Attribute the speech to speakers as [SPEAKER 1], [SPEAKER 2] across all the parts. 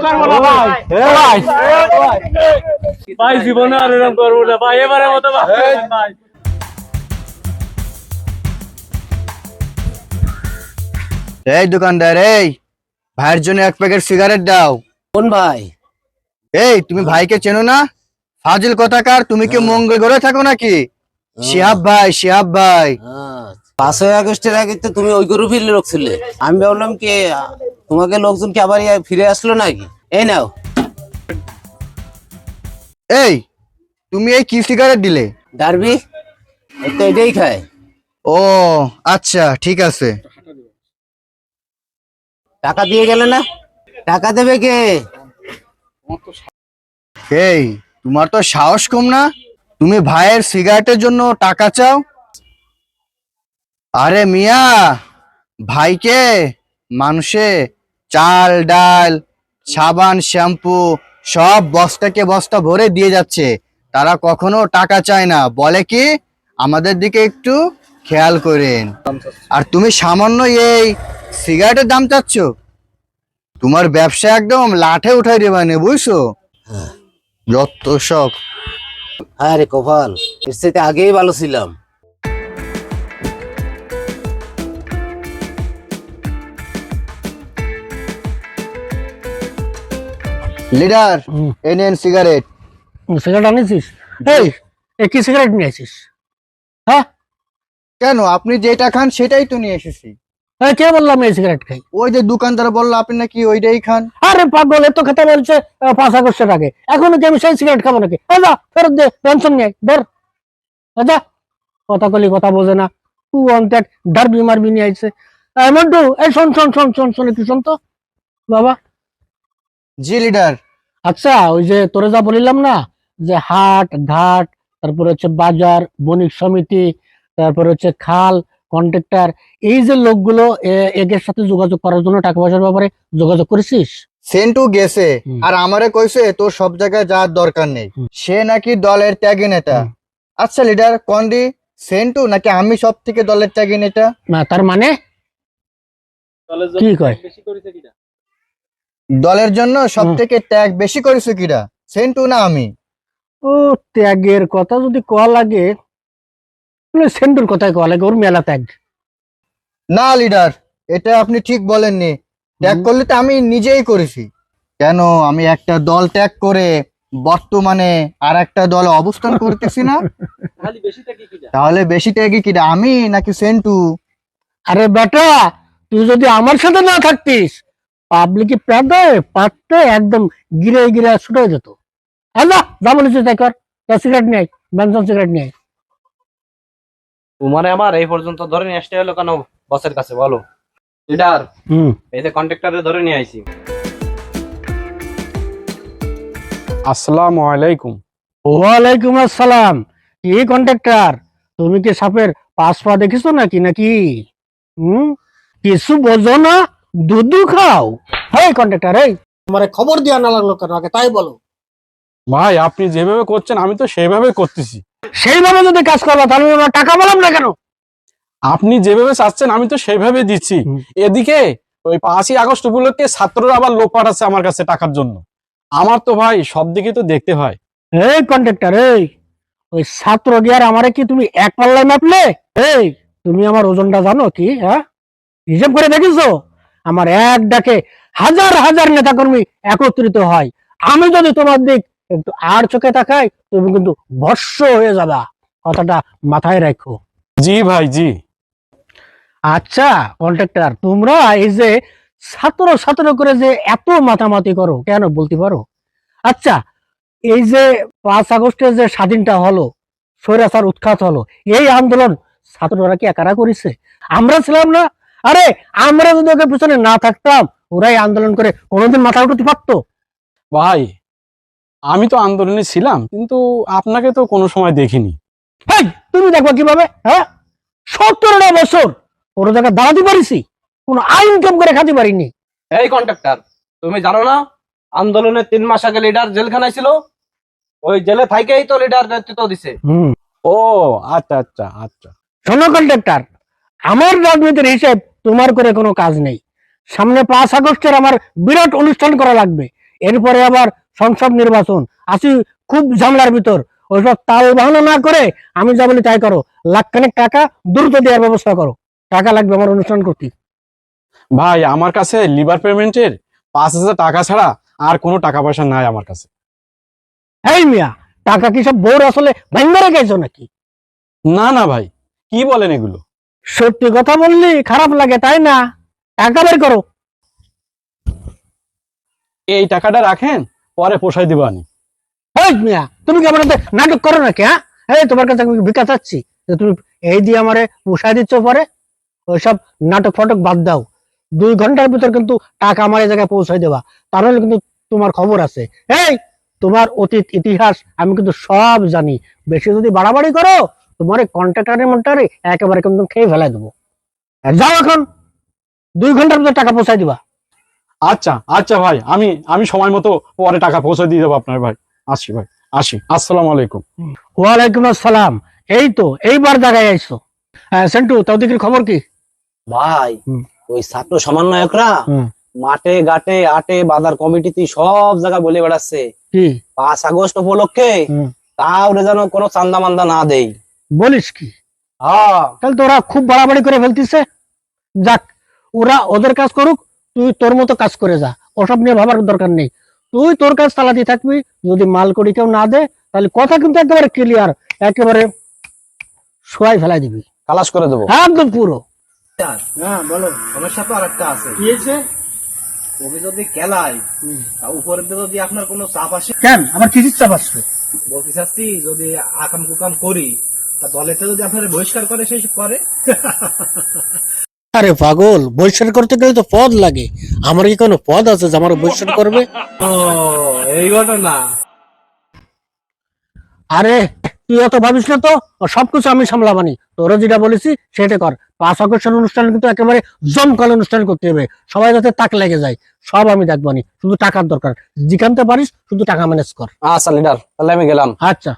[SPEAKER 1] করবো না ভাই। ভাই ভাই জীবনে আর এরকম করবো না ভাই, এবারে মতো ভাই।
[SPEAKER 2] এই দোকানদার, এই ভাইয়ের জন্য এক প্যাকেট সিগারেট দাও।
[SPEAKER 3] কোন ভাই?
[SPEAKER 2] এই তুমি ভাইকে চেনো না? ফাজিল কথাকার, তুমি কি মঙ্গল ঘরে থাকো নাকি? শিহাব ভাই, শিহাব ভাই।
[SPEAKER 3] 5ই আগস্টের আগে তো তুমি ওই গ্রুপের লোক ছিলে। আমি ভাবলাম কি তোমাকে লোকজন কি আবার ফিরে আসলো নাকি? এই নাও।
[SPEAKER 2] এই তুমি এই কি সিগারেট দিলে?
[SPEAKER 3] ডারবি তো এটাই খায়।
[SPEAKER 2] ও আচ্ছা, ঠিক আছে।
[SPEAKER 3] টাকা দিয়ে গেলে না? টাকা দেবে কে?
[SPEAKER 2] এই তোমার তো সাহস কম না, তুমি ভাইয়ের সিগারেটের জন্য টাকা চাও? আরে মিয়া, ভাইকে মানুষে চাল ডাল সাবান শ্যাম্পু সব বস্তাকে বস্তা ভরে দিয়ে যাচ্ছে, তারা কখনো টাকা চায় না, বলে কি আমাদের দিকে একটু খেয়াল করেন। আর তুমি সামান্য এই সিগারেটের দাম চাচ্ছ? তোমার ব্যবসা একদম লাঠে উঠাই দেবানে, বুঝছো? যত সব।
[SPEAKER 3] হ্যাঁ রে কপাল, এর সাথে আগেই ভালো ছিলাম।
[SPEAKER 2] লিডার, এনেন সিগারেট।
[SPEAKER 4] সিগারেট আনিছিস? এই কি সিগারেট নিয়ে আসিস? হ্যাঁ
[SPEAKER 2] কেন, আপনি যেটা খান সেটাই তো নিয়ে এসেছি।
[SPEAKER 4] কে বললাম এই সিগারেট খাই?
[SPEAKER 2] ওই যে দোকানদার বললো আপনি নাকি ওইটাই খান।
[SPEAKER 4] আরে পাগল, এত কথা বলছে 5 আগস্টের আগে, এখনো কি আমি সেই সিগারেট খাবো নাকি? যা ফেরত দে, পেনশন নিয়ে ধর। যা, কথা কলি কথা বোঝে না, তুই অন্তেক ডারবি মারবি নিয়ে আইছে। মন্টু, এই শোন শোন শোন শোন শোন একটু শোন তো বাবা।
[SPEAKER 2] জি লিডার।
[SPEAKER 4] আচ্ছা, ওই যে তোরে যা বলিলাম না, যে হাট ঘাট, তারপরে হচ্ছে বাজার, বণিক সমিতি, তারপরে হচ্ছে খাল, কন্ট্রাক্টর, এই যে লোকগুলো এদের সাথে যোগাযোগ করার জন্য টাকা পয়সার ব্যাপারে যোগাযোগ করেছিস?
[SPEAKER 2] সেন্টু গেছে আর আমারে কইছে তোর সব জায়গায় যাওয়ার দরকার নেই, সে নাকি দলের ত্যাগী নেতা। আচ্ছা লিডার, কোন দি সেন্টু নাকি আমি সব থেকে দলের ত্যাগী নেতা?
[SPEAKER 4] না, তার মানে কি কয়?
[SPEAKER 2] দলের জন্য সব থেকে ত্যাগ বেশি করেছে কিরা, সেন্টু না আমি?
[SPEAKER 4] ও, ত্যাগের কথা যদি কয়া লাগে সেন্টুর কথাই কয়া লাগে, ওর মেলা ত্যাগ।
[SPEAKER 2] না লিডার, এটা আপনি ঠিক বলেননি। ত্যাগ করলে তো আমি নিজেই করেছি। কেন, আমি একটা দল ত্যাগ করে বর্তমানে আর একটা দলে অবস্থান করতেছি না? তাহলে বেশি ত্যাগী কিরা, আমি নাকি সেন্টু?
[SPEAKER 4] আরে বেটা, তুই যদি আমার সাথে না থাকতিস, পাবলিক প্যাদে পাততে একদম গিরে গিরে ছুটে যেত। হ্যাঁ, যা বলেছিস তাই কর। সিগারেট নিয়ে আয়, বেনসন সিগারেট নিয়ে আয়।
[SPEAKER 5] তোমারে আমার এই পর্যন্ত ধরে নিয়ে আসতে হলো কেন বসের কাছে বলো? লিডার, এই যে কন্ট্রাক্টরে ধরে নিয়ে আইছি।
[SPEAKER 1] আসসালামু আলাইকুম।
[SPEAKER 4] ওয়ালাইকুম আসসালাম। কি কন্ট্রাক্টর, তুমি কি সাপের 5 পা দেখিছো নাকি? কিছু বোঝো না, দুধ খাও। হেই কন্ট্রাক্টর, এই তোমারে খবর দেওয়া না লাগলো কেন আগে তাই বলো।
[SPEAKER 1] ভাই আপনি যেভাবে করছেন আমি তো সেইভাবে করতেছি।
[SPEAKER 4] সেইভাবে যদি কাজ করবা তাহলে আমার টাকা বললাম না কেন?
[SPEAKER 1] আপনি যেভাবে চাচ্ছেন আমি তো সেইভাবে দিচ্ছি। এদিকে ওই 5ই আগস্ট উপলক্ষে ছাত্ররা আবার লোক পাঠাচ্ছে আমার কাছে টাকার জন্য। আমার তো ভাই সব দিকে তো দেখতে হয়।
[SPEAKER 4] এই কন্ট্রাক্টর, এই ওই ছাত্র গিয়ার আমারে কি তুমি এক পাল্লায় মাপলে? এই তুমি আমার ওজনটা জানো কি? হ্যাঁ, হিসাব করে দেখিছো? আমার এক ডাকে হাজার হাজার নেতা কর্মী একত্রিত হয়। আমি যদি তোমার দিক একটু আর চোখে তাকাই, তুমি কিন্তু ভস্য হয়ে যাবা, কথাটা মাথায় রাখো।
[SPEAKER 1] জি ভাই, জি।
[SPEAKER 4] আচ্ছা কন্ট্রাক্টর, তোমরা এই যে ছাত্র ছাত্র করে যে এত মাতামাতি করো কেন বলতে পারো? আচ্ছা, এই যে 5 আগস্টে যে স্বাধীনতা হলো, স্বৈরাচার উৎখাত হলো, এই আন্দোলন ছাত্ররা কি একারা করেছে? আমরা ছিলাম না? আরে আমরা যদি ওকে পিছনে না থাকতাম, ওরাই আন্দোলন করে কোনোদিন মাথা উঠাতে পারতো?
[SPEAKER 1] ভাই আমি তো আন্দোলনে ছিলাম, কিন্তু আপনাকে তো কোনো সময় দেখিনি।
[SPEAKER 4] এই তুমি দেখবা কিভাবে? হ্যাঁ, 17টা বছর কোনো জায়গায় দাঁড়াতে পারিছি, কোনো আইন কাম করে খাতে পারিনি।
[SPEAKER 5] এই কন্ট্রাক্টর, তুমি জানো না আন্দোলনের 3 মাস আগে লিডার জেলখানায় ছিল? ওই জেলে থাইকেই তো লিডার নেতৃত্ব দিছে।
[SPEAKER 1] ও আচ্ছা আচ্ছা আচ্ছা।
[SPEAKER 4] শোনো কন্ট্রাক্টর, আমার রাজনীতির হিসেব তোমার করে কোনো কাজ নেই। সামনে 5 আগস্টের আমার বিরাট অনুষ্ঠান করা লাগবে। এরপরে আবার সংসদ নির্বাচন আসি, খুব ঝামেলার ভিতর। ওইসব তাল বাহানা না করে আমি যা বলি তাই করো। লাখখানেক টাকা দ্রুত দেওয়ার ব্যবস্থা করো, টাকা লাগবে আমার অনুষ্ঠান করতে।
[SPEAKER 1] ভাই আমার কাছে লিভার পেমেন্টের 5,000 টাকা ছাড়া আর কোনো টাকা পয়সা নাই আমার কাছে।
[SPEAKER 4] এই মিয়া, টাকা কি সব বোর আসলে ভেঙে গেছো নাকি?
[SPEAKER 1] না না ভাই, কি বলেন এগুলো?
[SPEAKER 4] সত্যি কথা বললি খারাপ লাগে তাই না? টাকা বের করো।
[SPEAKER 1] এই টাকাটা রাখেন, পরে পোষাই দিব আমি।
[SPEAKER 4] এই মিয়া, তুমি কি আমার সাথে নাটক করো নাকি? হ্যাঁ, এই তোমার কাছে আমি ভিক্ষা চাচ্ছি যে তুমি এই দিয়ে আমারে পোষায় দিচ্ছ? পরে ওইসব নাটক ফটক বাদ দাও। 2 ঘন্টার ভিতর কিন্তু টাকা আমার এই জায়গায় পৌঁছাই দেবা, তাহলে কিন্তু তোমার খবর আছে। এই, তোমার অতীত ইতিহাস আমি কিন্তু সব জানি। বেশি যদি বাড়াবাড়ি করো, তোমার কন্ট্রাক্টারের মন্টারে একেবারে কিন্তু খেয়ে ফেলাই দেবো। যাও এখন, 2 ঘন্টার ভিতর টাকা পৌঁছাই দিবা।
[SPEAKER 1] আচ্ছা আচ্ছা ভাই, আমি আমি সময় মতো পরে টাকা পৌঁছে দিয়ে দেবো আপনার ভাই। আসি ভাই, আসি। আসসালামু আলাইকুম।
[SPEAKER 4] ওয়ালাইকুম আসসালাম। এই তো এইবার জায়গায় আইছো। হ্যাঁ সেন্টু, তাও দিকের খবর কি?
[SPEAKER 5] ভাই
[SPEAKER 4] হুম।
[SPEAKER 5] ওই ছাত্র সমন্বয়করা
[SPEAKER 4] হুম।
[SPEAKER 5] মাঠে ঘাটে আটে বাজার কমিটিতে সব জায়গায় বলে বেড়াচ্ছে
[SPEAKER 4] কি
[SPEAKER 5] 5 আগস্ট উপলক্ষে
[SPEAKER 4] হুম।
[SPEAKER 5] তাও যেন কোনো চান্দা মান্দা না দেই।
[SPEAKER 4] বলিস কি?
[SPEAKER 5] হ্যাঁ,
[SPEAKER 4] তাহলে তো ওরা খুব বাড়াবাড়ি করে ফেলতিছে। যাক, ওরা ওদের কাজ করুক, তুই তোর মতো কাজ করে যা। ওসব নিয়ে ভাবার দরকার নেই। তুই তোর কাজ চালাতে থাকবি। যদি মাল করি কেউ না দে, তাহলে কথা কিন্তু একেবারে ক্লিয়ার, একেবারে শোয়াই ফেলাই দিবি,
[SPEAKER 5] খালাস করে দেবো।
[SPEAKER 4] একদম পুরো।
[SPEAKER 3] হ্যাঁ বলো, সমস্যা তো আরেকটা আছে।
[SPEAKER 4] কি হয়েছে?
[SPEAKER 3] ওকে যদি খেলায়, তা উপরে দিয়ে যদি আপনার কোনো চাপ আসে,
[SPEAKER 4] কেন আমার কি চাপ আসবে?
[SPEAKER 3] বলতে চাচ্ছি যদি আকাম কুকাম করি, তা দলেতে যদি আপনার বহিষ্কার করে সেই করে।
[SPEAKER 4] আরে পাগল, বহিষ্কার করতে গেলে তো পদ লাগে। আমার কি কোনো পদ আছে যে আমার বহিষ্কার করবে?
[SPEAKER 3] ও, এই ঘটনা।
[SPEAKER 4] আরে তুই অত ভাবিস না তো, ও সবকিছু আমি সামলাবানি। তোরা যেটা বলেছি সেটা কর। 5 আগস্টের অনুষ্ঠান কিন্তু একেবারে জমকাল অনুষ্ঠান করতে হবে, সবাই যাতে তাক লেগে যায়। সব আমি দেখবানি, শুধু টাকার দরকার। যেখানতে পারিস শুধু টাকা ম্যানেজ কর।
[SPEAKER 5] আচ্ছা লিডার, তাহলে আমি গেলাম।
[SPEAKER 4] আচ্ছা।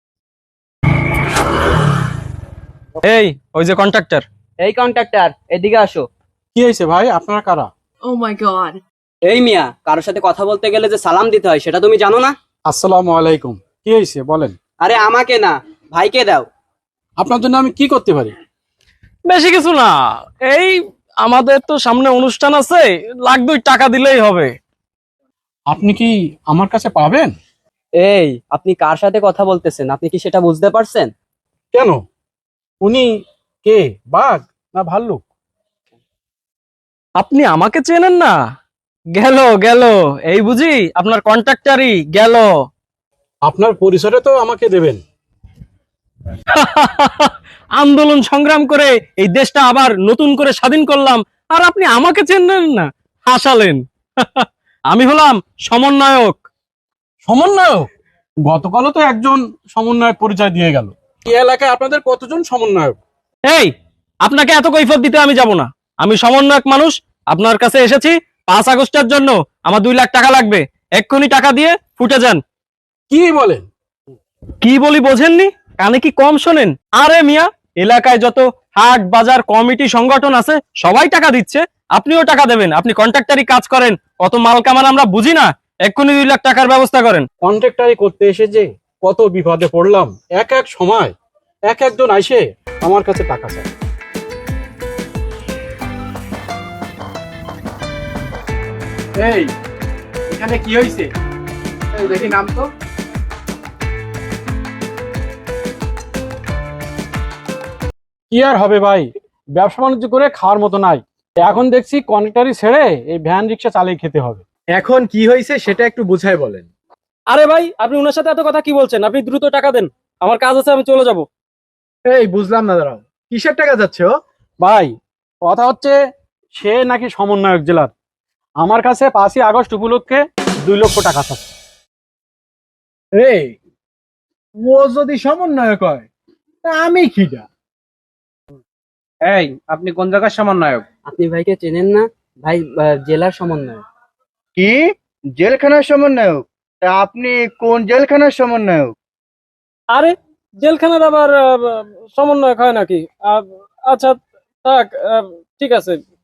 [SPEAKER 1] এই, ওই যে কন্ট্রাক্টর।
[SPEAKER 6] এই কন্ট্রাক্টর, এদিকে আসো।
[SPEAKER 1] কি হয়েছে ভাই, আপনারা কারা?
[SPEAKER 7] Oh my god.
[SPEAKER 6] এই মিয়া, কারোর সাথে কথা বলতে গেলে যে সালাম দিতে হয় সেটা তুমি জানো না?
[SPEAKER 1] আসসালামু আলাইকুম। কি হয়েছে বলেন?
[SPEAKER 6] আরে আমাকে না, ভাইকে দাও।
[SPEAKER 1] আপনার জন্য আমি কি করতে পারি?
[SPEAKER 8] বেশি কিছু না, এই আমাদের তো সামনে অনুষ্ঠান আছে, 1,2 লাখ টাকা দিলেই হবে।
[SPEAKER 1] আপনি কি আমার কাছে পাবেন?
[SPEAKER 6] এই, আপনি কার সাথে কথা বলতেছেন আপনি কি সেটা বুঝতে পারছেন?
[SPEAKER 1] কেন? উনি কে, বাঘ না ভাল্লুক?
[SPEAKER 8] আপনি আমাকে চেনেন না? গেল গেল, এই বুঝি আপনার কন্ট্রাক্টরই গেল।
[SPEAKER 1] আপনার পরিচয়টা তো আমাকে দেবেন।
[SPEAKER 8] আন্দোলন সংগ্রাম করে এই দেশটা আবার নতুন করে স্বাধীন করলাম, আর আপনি আমাকে চেনেন না? হাসালেন। আমি হলাম সমন্বয়ক।
[SPEAKER 1] সমন্বয়ক? গতকালও তো একজন সমন্বয়ক পরিচয় দিয়ে গেল। এই এলাকায় আপনাদের কতজন সমন্বয়ক?
[SPEAKER 8] এই, আপনাকে এত কৈফিয়ত দিতে আমি যাব না। আমি সমন্বয়ক মানুষ, আপনার কাছে এসেছি 5 আগস্টের জন্য। আমার 2 লাখ টাকা লাগবে, এক্ষুনি টাকা দিয়ে ফুটে যান।
[SPEAKER 1] কি বলেন?
[SPEAKER 8] কি বলি বোঝেননি? কানে কি কম শোনেন? আরে মিয়া, এলাকায় যত হাট বাজার কমিটি সংগঠন আছে সবাই টাকা দিচ্ছে, আপনিও টাকা দেবেন। আপনি কন্ট্রাক্টরি কাজ করেন, অত মাল কামান আমরা বুঝি না। এক্ষুনি 2 লাখ টাকার ব্যবস্থা করেন।
[SPEAKER 1] কন্ট্রাক্টারি করতে এসে যে কত বিপদে পড়লাম। এক এক সময় এক একজন আইসে আমার কাছে টাকা চায়। এই, এখানে কি হয়েছে দেখি নাম তো। কি আর হবে ভাই, ব্যবসা বাণিজ্য করে খাওয়ার মতো নাই। এখন দেখছি কন্ট্রাক্টরি ছেড়ে এই ভ্যান রিক্সা চালিয়ে খেতে হবে।
[SPEAKER 9] এখন কি হয়েছে সেটা একটু বুঝাই বলেন।
[SPEAKER 8] আরে ভাই, আপনি ওনার সাথে এত কথা কি বলছেন? আপনি দ্রুত টাকা দেন, আমার কাজ আছে, আমি চলে যাব।
[SPEAKER 9] এই বুঝলাম না, দাঁড়াও, কিসের টাকা যাচ্ছে ও?
[SPEAKER 1] ভাই কথা হচ্ছে, সে নাকি সমন্বয়ক জেলার। আমার কাছে 5 আগস্ট উপলক্ষে 2 লক্ষ টাকা চাচ্ছে।
[SPEAKER 9] এই, ও যদি সমন্বয়ক হয় তা আমি খিটা।
[SPEAKER 5] এই, আপনি কোন জায়গার সমন্বয়ক?
[SPEAKER 6] আপনি ভাইকে চেনেন না? ভাই জেলার সমন্বয়।
[SPEAKER 2] কি জেলখানার সমন্বয়ক? তা আপনি কোন জেলখানার সমন্বয়ক?
[SPEAKER 8] আরে জেলখানার আবার সমন্বয়ক হয় নাকি? আচ্ছা থাক, ঠিক আছে।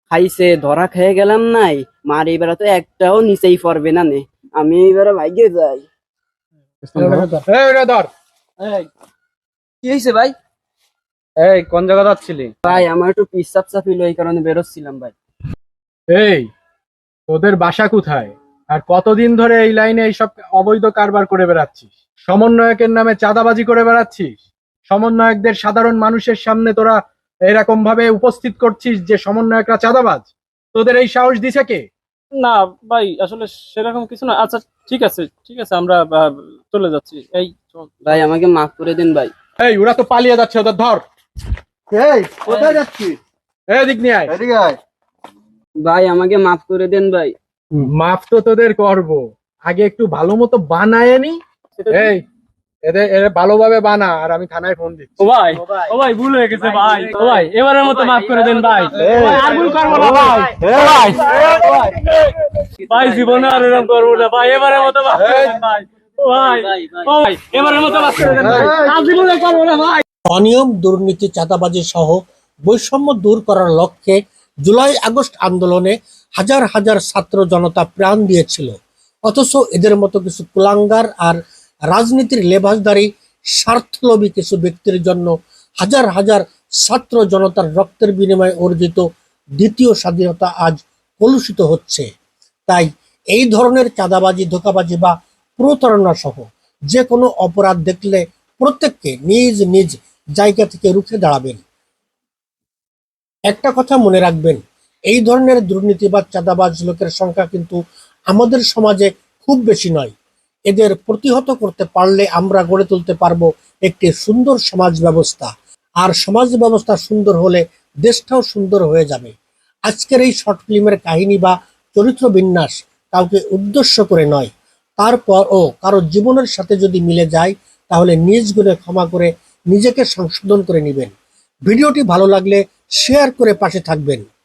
[SPEAKER 6] খাইছে ধরা খেয়ে গেলাম নাই, মার এবার তো একটাও নিচেই পড়বে না নে, আমি এবার ভাইগে যাই।
[SPEAKER 9] এই ওটা ধর।
[SPEAKER 6] কি হয়েছে ভাই?
[SPEAKER 5] এই কোন জায়গা যাচ্ছিলি?
[SPEAKER 6] ভাই আমার একটু পিসাব চাপিল, এই কারণে বেরোচ্ছিলাম ভাই।
[SPEAKER 9] এই তোদের বাসা কোথায় আর কতদিন ধরে এই লাইনে এইসব অবৈধ কারবার করে বেড়াচ্ছিস? সমন্বয়কের নামে চাঁদাবাজি করে বেড়াচ্ছিস? সমন্বয়কদের সাধারণ মানুষের সামনে তোরা এরকম ভাবে উপস্থিত করছিস যে সমন্বয়করা চাঁদাবাজ? তোদের এই সাহস দিছে কে?
[SPEAKER 8] না ভাই, আসলে সেরকম কিছু না। আচ্ছা ঠিক আছে, ঠিক আছে, আমরা চলে যাচ্ছি। এই চল।
[SPEAKER 6] ভাই আমাকে মাফ করে দিন ভাই।
[SPEAKER 9] এই ওরা তো পালিয়ে যাচ্ছে, ওদের ধর।
[SPEAKER 2] এই কোথায় যাচ্ছিস?
[SPEAKER 9] এদিক নিয়ে আয়।
[SPEAKER 2] এদিকে আয়।
[SPEAKER 6] ভাই আমাকে মাফ করে দেন ভাই।
[SPEAKER 9] মাফ তো তোদের করব, আগে একটু ভালো মতো বানায় নি। এই এদের ভালোভাবে বানা, আর আমি থানায় ফোন দিচ্ছি।
[SPEAKER 8] ও ভাই, ও ভাই, ভুল হয়ে গেছে ভাই। ও ভাই, এবারের মতো মাফ করে দেন ভাই। ভাই, আর ভুল করবো না ভাই। ভাই, ভাই জীবনে আর এরকম করবো না ভাই, এবারের মতো মাফ করে দেন ভাই। ও ভাই, ও ভাই, এবারের মতো মাফ করে দেন ভাই। আর জীবনে করবো না ভাই।
[SPEAKER 4] অনিয়ম, দুর্নীতি, চাঁদাবাজি সহ বৈষম্য দূর করার লক্ষ্যে জুলাই আগস্ট আন্দোলনে হাজার হাজার ছাত্র জনতা প্রাণ দিয়েছিল। অথচ এদের মতো কিছু কুলাঙ্গার আর রাজনীতির লেবাসদারী স্বার্থলোভী কিছু ব্যক্তির জন্য হাজার হাজার ছাত্র জনতার রক্তের বিনিময়ে অর্জিত দ্বিতীয় স্বাধীনতা আজ কলুষিত হচ্ছে। তাই এই ধরনের চাঁদাবাজি, ধোঁকাবাজি বা প্রতারণা সহ যে কোনো অপরাধ দেখলে প্রত্যেককে নিজ নিজ জায়গা থেকে রুখে দাঁড়াবেন। একটা কথা মনে রাখবেন, এই ধরনের দুর্নীতি বা চাঁদাবাজ লোকের সংখ্যা কিন্তু আমাদের সমাজে খুব বেশি নয়। এদের প্রতিহত করতে পারলে আমরা গড়ে তুলতে পারবো একটি সুন্দর সমাজ ব্যবস্থা, আর সমাজ ব্যবস্থা সুন্দর হলে দেশটাও সুন্দর হয়ে যাবে। আজকের এই শর্ট ফিল্মের কাহিনী বা চরিত্র বিন্যাস কাউকে উদ্দেশ্য করে নয়, তারপরও কারো জীবনের সাথে যদি মিলে যায় তাহলে নিজ গুণে ক্ষমা করে নিজেকে সংশোধন করে নেবেন। ভিডিওটি ভালো লাগলে শেয়ার করে পাশে থাকবেন।